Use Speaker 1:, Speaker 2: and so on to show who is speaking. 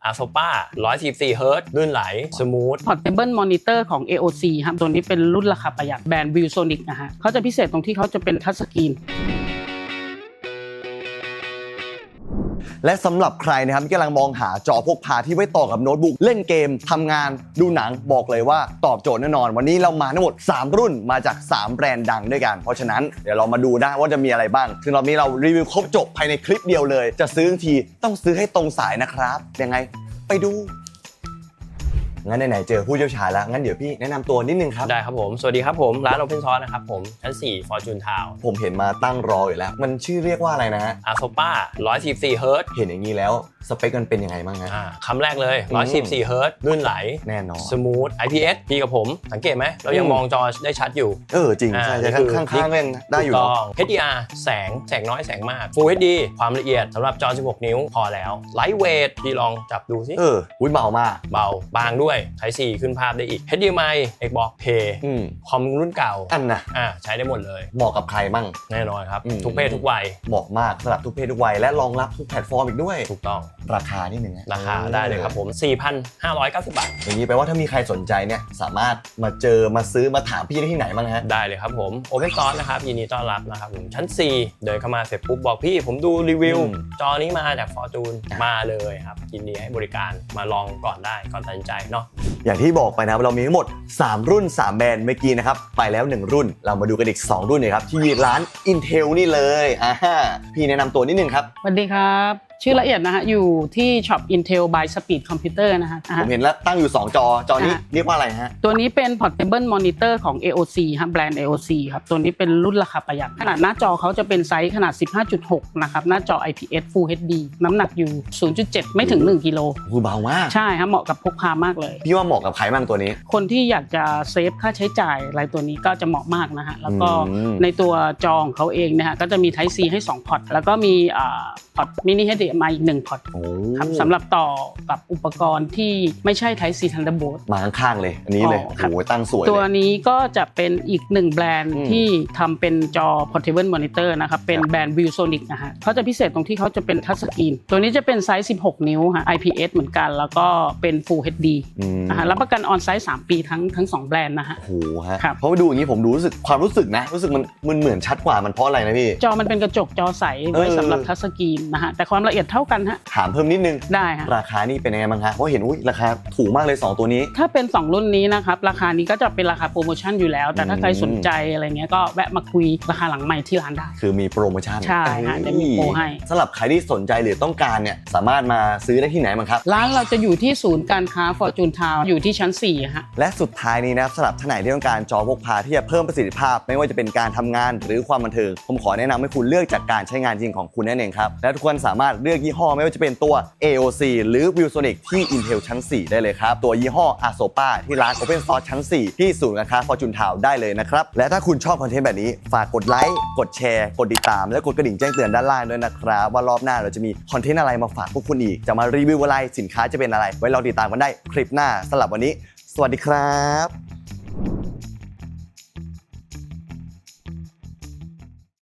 Speaker 1: ASOPA 144 Hz ลื่นไหลสมูท
Speaker 2: Portable Monitor ของ AOC ครับตัวนี้เป็นรุ่นราคาประหยัดแบรนด์ ViewSonic นะฮะเขาจะพิเศษตรงที่เขาจะเป็นทัชสกรีน
Speaker 3: และสำหรับใครนะครับที่กำลังมองหาจอพกพาที่ไว้ต่อกับโน้ตบุ๊กเล่นเกมทำงานดูหนังบอกเลยว่าตอบโจทย์แน่นอนวันนี้เรามาทั้งหมด3รุ่นมาจาก3แบรนด์ดังด้วยกันเพราะฉะนั้นเดี๋ยวเรามาดูได้ว่าจะมีอะไรบ้างซึ่งรอบนี้เรารีวิวครบจบภายในคลิปเดียวเลยจะซื้อทีต้องซื้อให้ตรงสายนะครับยังไงไปดูงั้นไหนๆเจอผู้เชี่ยวชาญแล้วงั้นเดี๋ยวพี่แนะนำตัวนิดนึงครับ
Speaker 1: ได้ครับผมสวัสดีครับผมร้าน Open Source นะครับผมชั้น4 Fortune Town
Speaker 3: ผมเห็นมาตั้งรออยู่แล้วมันชื่อเรียกว่าอะไรนะฮะ
Speaker 1: ASOPA 144 Hz
Speaker 3: เห็นอย่างนี้แล้วสเปคมันเป็นยังไงบ้างฮะ
Speaker 1: คำแรกเลย144 Hz ลื่นไหล
Speaker 3: แน่นอน
Speaker 1: สมูท IPS พี่กับผมสังเกตไหมเรายังมองจอได้ชัดอยู่
Speaker 3: จริงใช่ข้างๆก็ยังได้อยู่เนาะ
Speaker 1: HDR แสงน้อยแสงมาก Full HD ความละเอียดสำหรับจอ16นิ้วพอแล้ว Lightweight พี่ลองจับดูสิ
Speaker 3: เบามาก
Speaker 1: เบาบางด้วย Type C ขึ้นภาพได้อีก HDMI Xbox Play คอมรุ่นเก่า
Speaker 3: อันนะ
Speaker 1: ใช้ได้หมดเลย
Speaker 3: เหมาะกับใครมั่ง
Speaker 1: แน่นอนครับทุกเพศทุกวัย
Speaker 3: เหมาะมากสำหรับทุกเพศทุกวัยและรองรับทุกแพลตฟอร์มอีกด้วย
Speaker 1: ถูกต้อง
Speaker 3: ราคานิดนึง
Speaker 1: ราคาได้เลยครับผม 4,590 บาท
Speaker 3: อย่างนี้แปลว่าถ้ามีใครสนใจเนี่ยสามารถมาเจอมาซื้อมาถามพี่ได้ที่ไหนบ้างฮะ
Speaker 1: ได้เลยครับผม Open Source นะครับยินดีต้อนรับนะครับผมชั้น4เดินเข้ามาเสร็จปุ๊บบอกพี่ผมดูรีวิวจอนี้มาจาก Fortune มาเลยครับยินดีให้บริการมาลองก่อนได้ก่อนตัดสินใจเนาะ
Speaker 3: อย่างที่บอกไปนะครับเรามีทั้งหมด3รุ่น3แบรนด์เมื่อกี้นะครับไปแล้ว1รุ่นเรามาดูกันอีก2รุ่นเลยครับที่ร้าน Intel นี่เลยพี่แนะนำตัวนิดนึงครับ
Speaker 2: สวัสดีครับชื่อละเอียดนะฮะอยู่ที่ช็อป Intel by Speed Computer นะฮะ
Speaker 3: ผมเห็นแล้วตั้งอยู่2จอนี้เรียกว่าอะไรฮะ
Speaker 2: ตัวนี้เป็น Portable Monitor ของ AOC ครับแบรนด์ AOC ครับตัวนี้เป็นรุ่นราคาประหยัดขนาดหน้าจอเขาจะเป็นไซส์ขนาด 15.6 นะครับหน้าจอ IPS Full HD น้ำหนักอยู่ 0.7 ไม่ถึง1กิโล
Speaker 3: เบามาก
Speaker 2: ใช่ครับเหมาะกับพกพามากเลย
Speaker 3: พี่ว่าเหมาะกับใครบ้างตัวนี้
Speaker 2: คนที่อยากจะเซฟค่าใช้จ่ายอะไรตัวนี้ก็จะเหมาะมากนะฮะแล้วก็ในตัวจอของเขาเองนะฮะก็จะมี Type C ให้2พอร์ตแล้วก็มีพอร์ต Mini HDMI อีก1พอร์ตครับสำหรับต่อกับอุปกรณ์ที่ไม่ใช่ Type C Thunderbolt
Speaker 3: มาข้างๆเลยอันนี้เลยโอ้โหตั้งสวย
Speaker 2: ตัวนี้ก็จะเป็นอีก1แบรนด์ที่ทำเป็นจอ Portable Monitor นะครับเป็นแบรนด์ ViewSonic นะฮะเขาจะพิเศษตรงที่เขาจะเป็นทัชสกรีนตัวนี้จะเป็นไซส์16นิ้วฮะ IPS เหมือนกันแล้วก็เป็น Full HD นะฮะรับประกันออนไซต์3ปีทั้ง2แบรนด์นะฮะ
Speaker 3: โอ้โหฮะเพราะดูอย่างนี้ผมดูรู้สึกความรู้สึกนะรู้สึกมันเหมือนชัดกว่ามันเพราะอะไรนะพี่
Speaker 2: จอมันเป็นกระจกจอใสไว้สำหรับทัชสกรีนนะฮะแต่ความละเอียดเท่ากันฮะ
Speaker 3: ถามเพิ่มนิดนึง
Speaker 2: ได้ฮะ
Speaker 3: ราคานี่เป็นยังไงบ้างฮะเพราะเห็นราคาถูกมากเลย2ตัวนี้
Speaker 2: ถ้าเป็น2รุ่นนี้นะครับราคานี้ก็จะเป็นราคาโปรโมชั่นอยู่แล้วแต่ถ้าใครสนใจอะไรเงี้ยก็แวะมาคุยราคาหลังใหม่ที่ร้านได้
Speaker 3: คือมีโปรโมชั่น
Speaker 2: ใช่ฮะจะมีโปรให้
Speaker 3: สำหรับใครที่สนใจหรือต้องการเนี่ยสามารถมาซื้อได้ที่ไหนบ้างครับ
Speaker 2: ร้านเราจะอยู่ที่ศูนย์การค้า Fortune Town อยู่ที่ชั้น4ฮะ
Speaker 3: และสุดท้ายนี้นะครับสำหรับท่านไหนที่ต้องการจอพกพาที่จะเพิ่มประสิทธิภาพไม่ว่าจะเป็นการทำงานหรือความบันเทิงผมขอแนะนำให้คุณเลือกจากการใช้งานจริงของคุณนั่นเองครับและทุกคนสามารถเลือกยี่ห้อไม่ว่าจะเป็นตัว AOC หรือ ViewSonic ที่ Intel ชั้น4ได้เลยครับตัวยี่ห้อ ASOPA ที่ร้าน Open Source ชั้น4ที่ศูนย์การค้า Fortune Town ได้เลยนะครับและถ้าคุณชอบคอนเทนต์แบบนี้ฝากกดไลค์กดแชร์กดติดตามและกดกระดิ่งแจ้งเตือนด้านล่างด้วยนะครับว่ารอบหน้าเราจะมีคอนเทนต์อะไรมาฝากพวกคุณอีกจะมารีวิวอะไรสินค้าจะเป็นอะไรไว้รอติดตามกันได้คลิปหน้าสำหรับวันนี้สวัสดีครับ